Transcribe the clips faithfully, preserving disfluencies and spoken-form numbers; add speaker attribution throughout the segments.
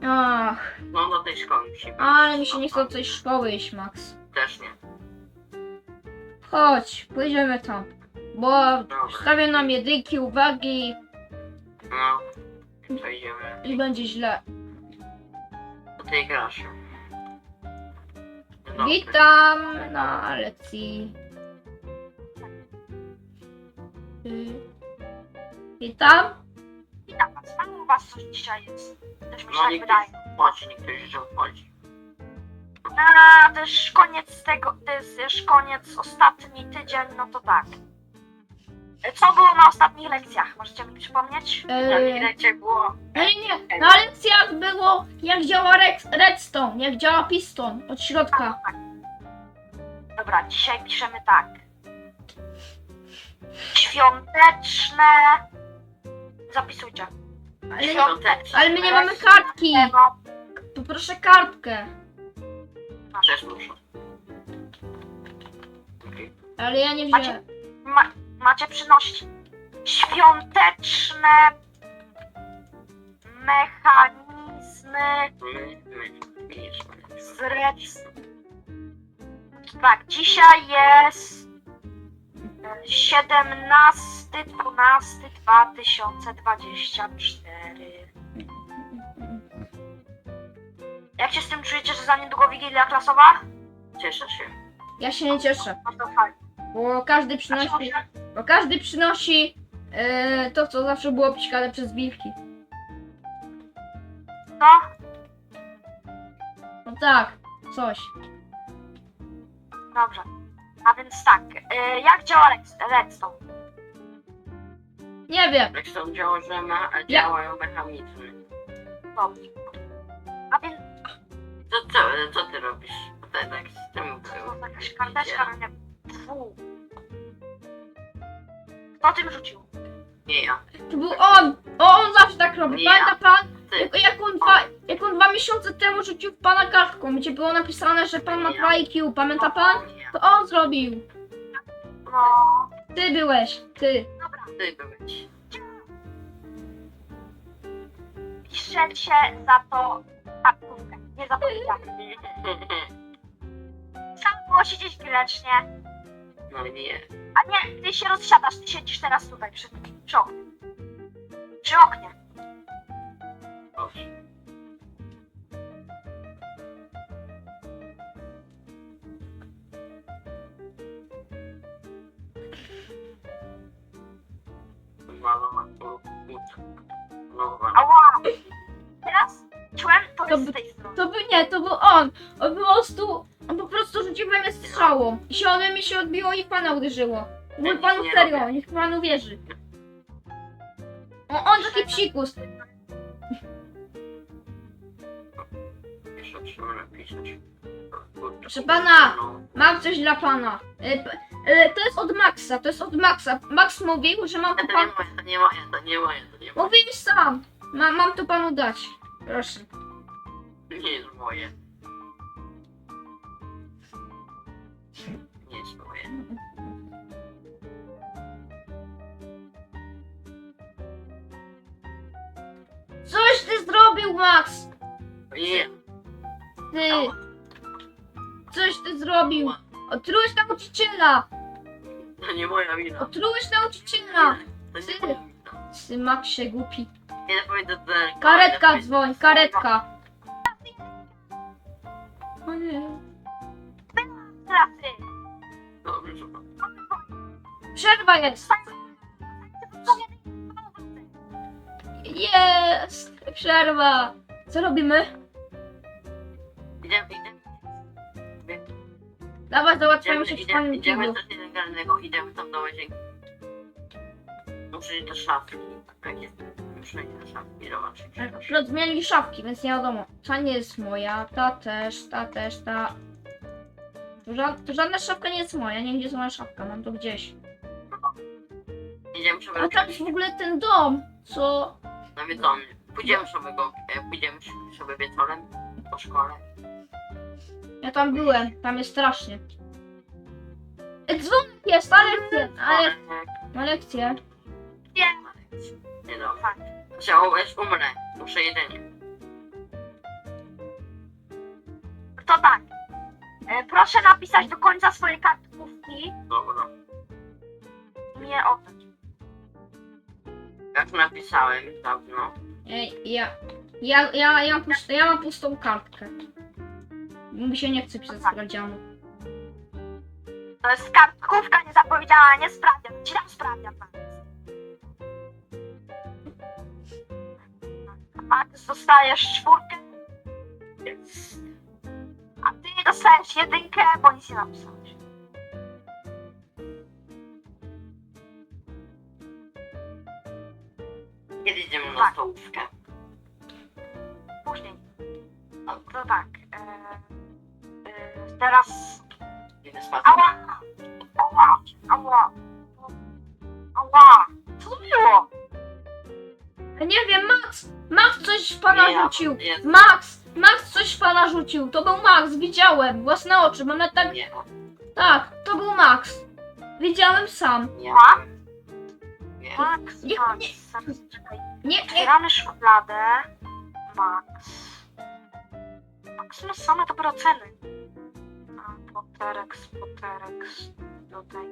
Speaker 1: Ach,
Speaker 2: No do tej szkoły musimy.
Speaker 1: ale mi się nie chce do tej szkoły iść, Max.
Speaker 2: Też nie.
Speaker 1: Chodź, pójdziemy tam. Bo
Speaker 2: Dobra.
Speaker 1: stawię nam jedynki, uwagi
Speaker 2: No. Przejdziemy
Speaker 1: i będzie źle.
Speaker 2: do tej graszy. Dobry.
Speaker 1: Witam na lekcji. Y, Witam.
Speaker 3: Witam was. Mam u was coś dzisiaj jest. Też mi się
Speaker 2: No
Speaker 3: tak
Speaker 2: nikt
Speaker 3: wydaje.
Speaker 2: nie wchodzi, niektórzy że wchodzi.
Speaker 3: A, to już koniec tego, to jest już koniec, ostatni tydzień, no to tak. Co było na ostatnich lekcjach? Możecie mi przypomnieć?
Speaker 2: Na
Speaker 1: Yy,
Speaker 2: chwilę było.
Speaker 1: nie, nie, na lekcjach było jak działa rex- redstone, jak działa piston od środka.
Speaker 3: Tak. Dobra, dzisiaj piszemy tak. Świąteczne... Zapisujcie.
Speaker 1: Ale,
Speaker 2: Świąteczne.
Speaker 1: ale my nie mamy kartki.
Speaker 3: No,
Speaker 1: Poproszę kartkę.
Speaker 2: Też muszę. Okej.
Speaker 1: Ale ja nie
Speaker 3: Macie-
Speaker 1: wziąłem.
Speaker 3: ma, macie przynosić świąteczne mechanizmy
Speaker 2: My, my, my,
Speaker 3: z rec... Tak, dzisiaj jest siedemnasty dwunasty dwa tysiące dwudziesty czwarty. Jak się z tym czujecie, że za niedługo Wigilia klasowa?
Speaker 2: Cieszę się.
Speaker 1: Ja się nie cieszę,
Speaker 3: No to fajnie.
Speaker 1: bo każdy
Speaker 3: Dlaczego
Speaker 1: przynosi,
Speaker 3: się?
Speaker 1: bo każdy przynosi e, to, co zawsze było psikane przez wilki.
Speaker 3: No,
Speaker 1: No tak, coś.
Speaker 3: dobrze. A więc tak, y, jak działa Redstone? Redstone?
Speaker 1: Nie wiem.
Speaker 2: Jak są działa, że ma, a działają mechanizmy.
Speaker 3: Dobrze. A więc
Speaker 2: To co, co ty robisz? Tutaj tak z tym było.
Speaker 3: to jakaś karteczka, no nie. Fu. Kto tym rzucił?
Speaker 2: Nie ja.
Speaker 1: To był on! O, on zawsze tak robi.
Speaker 2: Nie.
Speaker 1: Pamięta pan?
Speaker 2: Ty.
Speaker 1: Jak, jak, on dwa, jak on dwa miesiące temu rzucił w pana kartką, gdzie było napisane, że pan ma
Speaker 2: Nie.
Speaker 1: dwa I Q. Pamięta pan?
Speaker 2: Nie ja.
Speaker 1: To on zrobił.
Speaker 3: No,
Speaker 1: Ty byłeś. Ty.
Speaker 3: dobra.
Speaker 2: Ty byłeś.
Speaker 3: Piszecie za to kartkówkę. Nie zapominajcie. Trzeba było siedzieć grzecznie.
Speaker 2: No nie.
Speaker 3: A nie, ty się rozsiadasz, ty siedzisz teraz tutaj przy, przy oknie. Przy oknie.
Speaker 2: Dobrze. Mama, Nowa.
Speaker 3: Ała! Teraz czułem, to
Speaker 1: To
Speaker 3: jest
Speaker 1: by-
Speaker 3: z tej strony.
Speaker 1: To by nie, to był on. On po prostu, on po prostu rzucił we mnie strzałą. I się ode mnie się odbiło i w pana uderzyło. Mój
Speaker 2: Ja nic
Speaker 1: panu
Speaker 2: nie
Speaker 1: serio,
Speaker 2: robię.
Speaker 1: niech pan uwierzy. O, on taki psikus.
Speaker 2: Jeszcze trzeba napisać.
Speaker 1: Proszę pana. Mam coś dla pana. E, p- e, to jest od Maxa, to jest od Maxa. Max mówił, że mam
Speaker 2: To
Speaker 1: tu
Speaker 2: nie
Speaker 1: pan...
Speaker 2: moje, to nie moje, to nie moje, to nie moje.
Speaker 1: Mówił sam. Ma, mam to panu dać. Proszę.
Speaker 2: Nie jest moje. Nie jest moje.
Speaker 1: Coś ty zrobił, Max!
Speaker 2: Nie.
Speaker 1: Ty! Coś ty zrobił! Otrułeś nauczyciela!
Speaker 2: To nie moja wina.
Speaker 1: Otrułeś nauczyciela!
Speaker 2: To nie
Speaker 1: Ty.
Speaker 2: moja wina.
Speaker 1: Ty, Maxie, głupi.
Speaker 2: Nie pójdę do telefonu.
Speaker 1: Karetka dzwoń, karetka! O nie.
Speaker 3: Teraz ty.
Speaker 2: Dobrze, że pan.
Speaker 1: Przerwa jest! Jest! Przerwa! Co robimy?
Speaker 2: Idziemy, idziemy.
Speaker 1: Dawaj, załatwiamy
Speaker 2: Idziemy,
Speaker 1: się w
Speaker 2: idziemy,
Speaker 1: panu
Speaker 2: idziemy
Speaker 1: kiblu.
Speaker 2: do nielegalnego, idziemy tam do łazienki. Muszę iść do szafki. Tak jest. Muszę iść do szafki, zobaczyć.
Speaker 1: Akurat zmienili szafki, więc nie wiadomo. Ta nie jest moja, ta też, ta też, ta... To, ża to żadna szafka nie jest moja, nie gdzie jest moja szafka, mam to gdzieś.
Speaker 2: Idziemy sobie
Speaker 1: A tam jest w ogóle ten dom, co...
Speaker 2: nawiedzony. Pójdziemy sobie go, e, pójdziemy sobie wieczorem po szkole.
Speaker 1: Ja tam byłem, tam jest strasznie. E, dzwonek jest, na lekcję, ale... Na lekcję.
Speaker 2: Nie no. Chciałbyś umrę. Muszę jedzenie.
Speaker 3: to tak. E, proszę napisać do końca swojej kartkówki
Speaker 2: Dobra.
Speaker 3: i mnie oddać.
Speaker 2: Jak napisałem dawno.
Speaker 1: Ej, ja, ja, ja, ja, mam pustą, ja mam pustą kartkę. Mi się nie chce pisać sprawdzianu.
Speaker 3: To jest kartkówka niezapowiedziana, nie sprawdzian. Ci dam sprawdzian. Max, dostajesz czwórkę,
Speaker 2: Więc
Speaker 3: a ty dostajesz jedynkę, bo nic nie napisałeś.
Speaker 2: kiedy idziemy na
Speaker 3: Tak.
Speaker 2: stołówkę?
Speaker 3: Później. No to tak. E, e, teraz...
Speaker 2: Idę spać.
Speaker 3: Ała! Ała! Ała! Ała! Co to było?
Speaker 1: Nie wiem, Max! Max coś w pana
Speaker 2: Nie, ja-
Speaker 1: rzucił!
Speaker 2: nie.
Speaker 1: Max! Max coś w pana rzucił! To był Max, widziałem! Własne oczy, mam nawet tak...
Speaker 2: Nie,
Speaker 1: Tak, to był Max! Widziałem sam.
Speaker 2: nie.
Speaker 3: A?
Speaker 2: Nie.
Speaker 3: Max,
Speaker 1: Nie,
Speaker 3: Max,
Speaker 1: nie.
Speaker 3: zaraz czekaj.
Speaker 1: Nie, nie,
Speaker 3: Otwieramy szufladę. Max. Max ma same dobre oceny. A, Poterex, Poterex. Tutaj.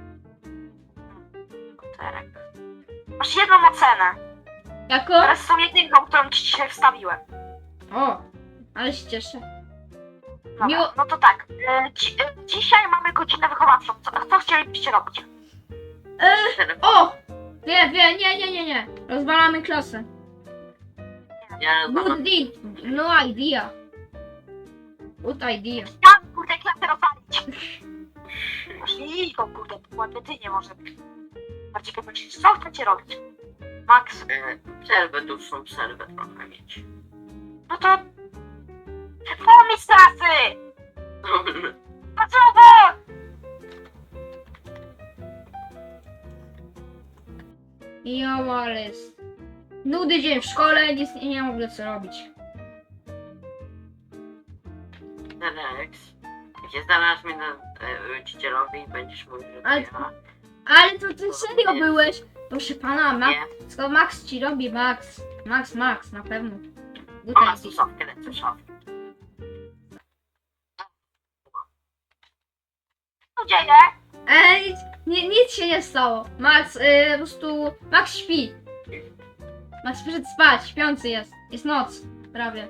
Speaker 3: Poterek. Masz jedną ocenę.
Speaker 1: jako?
Speaker 3: Teraz są jedynką, którą ci dzisiaj wstawiłem.
Speaker 1: O, ale się cieszę.
Speaker 3: Dobra,
Speaker 1: Miło-
Speaker 3: no to tak. E, dzi e, dzisiaj mamy godzinę wychowawczą. Co, co chcielibyście robić?
Speaker 2: Telefon.
Speaker 1: O! Wie, wie, nie, nie, nie, nie. Rozwalamy klasę.
Speaker 2: Ja
Speaker 1: Good
Speaker 2: rozmawiam.
Speaker 1: deal. No idea. Good idea.
Speaker 3: Ja kurde klasę rozwalić. Masz liką, kurde, ładnie ty nie może być. Bardziej powiedzieć, co chcecie robić? Max,
Speaker 2: E, Przerwę, dłuższą przerwę trochę mieć.
Speaker 3: no to... Pomysł klasy!
Speaker 2: Dobrze.
Speaker 3: A co bo?
Speaker 1: Jo, ale jest. Nudy dzień w szkole, nic nie, nie mam w ogóle co robić.
Speaker 2: Telex. Gdzie znalazł mnie na e, rodzicielowi i będziesz mówił, że to
Speaker 1: Ale-
Speaker 2: ja.
Speaker 1: Ale to ty serio byłeś? Proszę pana, Max.
Speaker 2: Nie.
Speaker 1: Co Max ci robi, Max? Max, Max, na pewno. Good
Speaker 2: O, masz
Speaker 1: idea.
Speaker 2: tu szafkę, lecę szafkę.
Speaker 3: Co dzieje?
Speaker 1: Ej, nie, nic się nie stało. Max, y, po prostu... Max śpi. Max przyszedł spać, śpiący jest. Jest noc, prawie.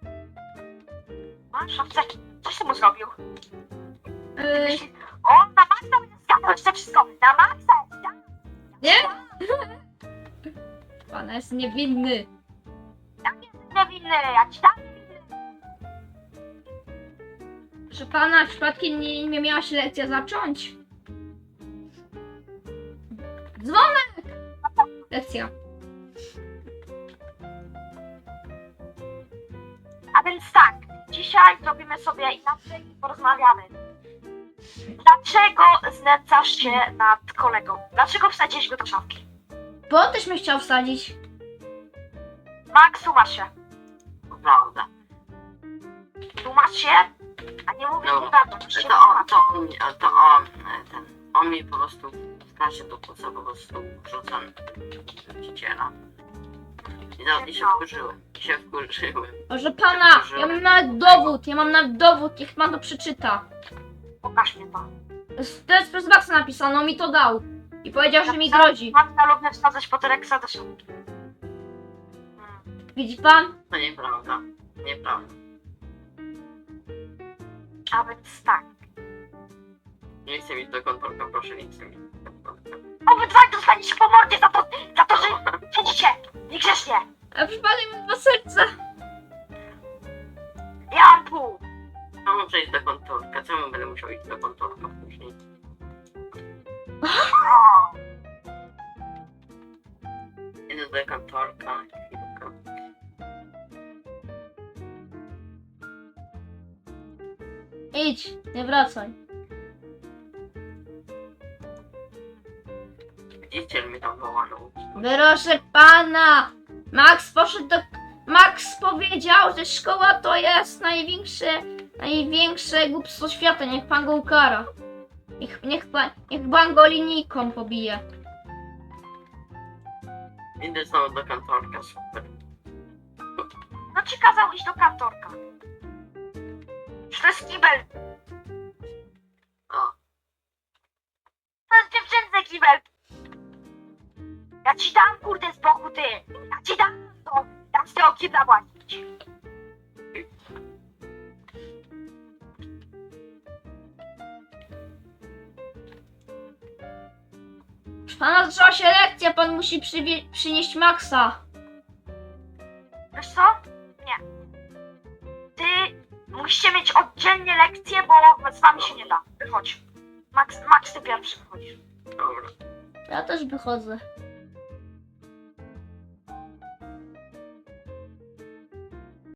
Speaker 3: A, szafceki. Coś ty mu zrobił?
Speaker 1: Y,
Speaker 3: Myśli, o, na Maxa będzie zgadnąć to wszystko. Na Maxa! Ja,
Speaker 1: nie? Pana jest niewinny.
Speaker 3: niewinny, ja ci dam niewinny.
Speaker 1: Proszę pana, przypadkiem nie, nie miała się lekcja zacząć? Dzwonek! Lekcja.
Speaker 3: A więc tak, dzisiaj zrobimy sobie inaczej i porozmawiamy. Dlaczego znęcasz się nad kolegą? Dlaczego wsadziłeś go do szafki?
Speaker 1: Bo on też mnie chciał wsadzić.
Speaker 3: Max, tłumacz się.
Speaker 2: Prawda.
Speaker 3: Tłumacz się, a nie mówisz
Speaker 2: No,
Speaker 3: mi prawdę. Musisz się
Speaker 2: To on,
Speaker 3: tłumaczyć.
Speaker 2: to on, to on, e, ten, on mi po prostu w klasie do płuca po prostu wrzuca rodziciela. I, za, I się wkurzyłem, i się wkurzyłem.
Speaker 1: Proszę pana, ja mam nawet dowód, ja mam nawet dowód, niech pan to przeczyta.
Speaker 3: Pokaż mi to.
Speaker 1: To jest przez Maxa napisane, on mi to dał. I powiedział, że mi grozi.
Speaker 3: Matka lubię wsadzać Poterexa do szafki. Hmm.
Speaker 1: Widzi pan?
Speaker 2: To nieprawda, nieprawda.
Speaker 3: A więc tak.
Speaker 2: Nie chcę mieć do kontorka, proszę, nie chcę mieć do kontorka.
Speaker 3: Obydwaj dostaniecie po mordzie za to, za to, że siedzicie niegrzecznie.
Speaker 1: A przypadek mi dwa serca.
Speaker 3: Ja mam pół.
Speaker 2: A muszę iść do kontorka, czemu będę musiał iść do kontorka później?
Speaker 3: O,
Speaker 2: Idę do kontorka, chwilkę.
Speaker 1: Idź, nie wracaj.
Speaker 2: Rodziciel mi tam woła na ulicy.
Speaker 1: Proszę pana! Max poszedł do... Max powiedział, że szkoła to jest największe, największe głupstwo świata. Niech pan go ukara. Niech, niech, pan, niech pan go linijką pobije.
Speaker 2: Idę znowu do kontorka, super.
Speaker 3: no ci kazał iść do kantorka. Czy to jest kibel?
Speaker 2: O,
Speaker 3: To jest dziewczynce kibel. Ja ci dam kurde z boku ty. Ja ci dam to. Dam z tego kibla płacić.
Speaker 1: Proszę pana, zaczęła się lekcja, pan musi przywie- przynieść Maxa.
Speaker 3: Wiesz co? Nie. Ty musicie mieć oddzielnie lekcje, bo z wami się nie da. Wychodź. Max, Max ty pierwszy wychodzisz.
Speaker 2: dobra.
Speaker 1: Ja też wychodzę.